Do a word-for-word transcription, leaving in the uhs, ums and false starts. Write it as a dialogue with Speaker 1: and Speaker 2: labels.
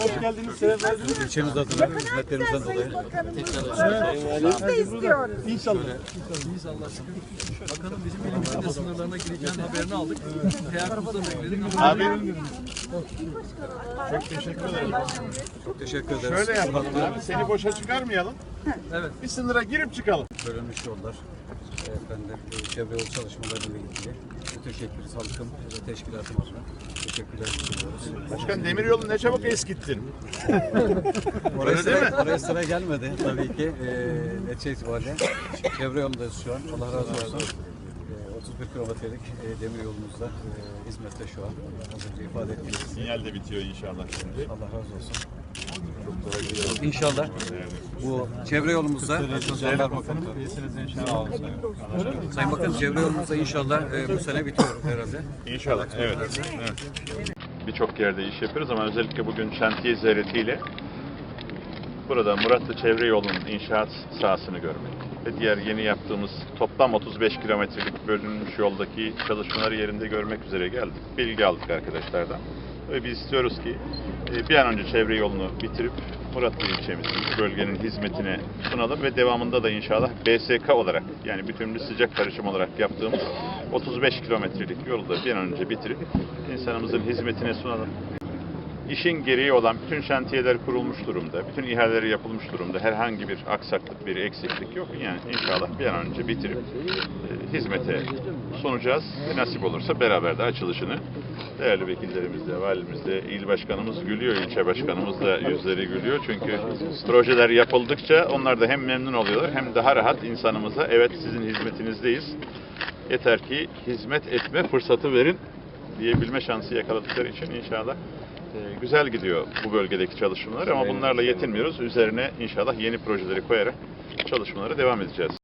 Speaker 1: hoş geldiniz. Sebep verdiniz.
Speaker 2: İlçemiz adına hizmetlerimizden dolayı.
Speaker 1: Biz de istiyoruz. İnşallah.
Speaker 3: İnşallah. Bakanım bizim elimizin de sınırlarına gireceğinin haberini aldık. Teyakkuzda bekledik.
Speaker 4: Abi çok teşekkür ederim.
Speaker 2: Çok teşekkür ederiz.
Speaker 4: Şöyle yapalım abi, seni boşa çıkarmayalım.
Speaker 3: Evet.
Speaker 4: Bir sınıra girip çıkalım.
Speaker 2: Bölünmüş yollar, efendim, e, çevre yol çalışmalarıyla ilgili bütün şekil salkım ve teşkilatımızla teşekkürler sunuyoruz.
Speaker 4: Başkan demiryolunu ne çabuk eskittin.
Speaker 2: Oraya
Speaker 4: Öyle değil mi?
Speaker 2: sıra, oraya sıra gelmedi tabii ki. E, netice itibariyle çevre yolundayız şu an. Allah razı olsun. E, otuz bir kilometrelik e, demir yolumuzda e, hizmette şu an. Az önce ifade ettiğiniz gibi.
Speaker 4: Sinyal de bitiyor inşallah şimdi.
Speaker 2: Allah razı olsun. İnşallah bu çevre yolumuzda Jandarma Komutanı. Sayın Bakan, çevre yolumuzda inşallah e, bu sene bitiyor herhalde.
Speaker 4: İnşallah, evet. evet. Birçok yerde iş yapıyoruz ama özellikle bugün şantiye ziyaretiyle burada Muratlı Çevre Yolu'nun inşaat sahasını görmek ve diğer yeni yaptığımız toplam otuz beş kilometrelik bölünmüş yoldaki çalışmaları yerinde görmek üzere geldik. Bilgi aldık arkadaşlardan. Ve biz istiyoruz ki bir an önce çevre yolunu bitirip Muratlı ilçemizin, bölgenin hizmetine sunalım ve devamında da inşallah B S K olarak, yani bütünlü sıcak karışım olarak yaptığımız otuz beş kilometrelik yolu da bir an önce bitirip insanımızın hizmetine sunalım. İşin gereği olan bütün şantiyeler kurulmuş durumda, bütün ihaleleri yapılmış durumda. Herhangi bir aksaklık, bir eksiklik yok. Yani inşallah bir an önce bitirip e, hizmete sunacağız. Ve nasip olursa beraber de açılışını değerli vekillerimizle, valimizle, il başkanımız gülüyor, ilçe başkanımız da yüzleri gülüyor. Çünkü projeler yapıldıkça onlar da hem memnun oluyorlar hem daha rahat insanımıza evet sizin hizmetinizdeyiz. Yeter ki hizmet etme fırsatı verin diyebilme şansı yakaladıkları için inşallah e, güzel gidiyor bu bölgedeki çalışmalar ama bunlarla yetinmiyoruz. Üzerine inşallah yeni projeleri koyarak çalışmalara devam edeceğiz.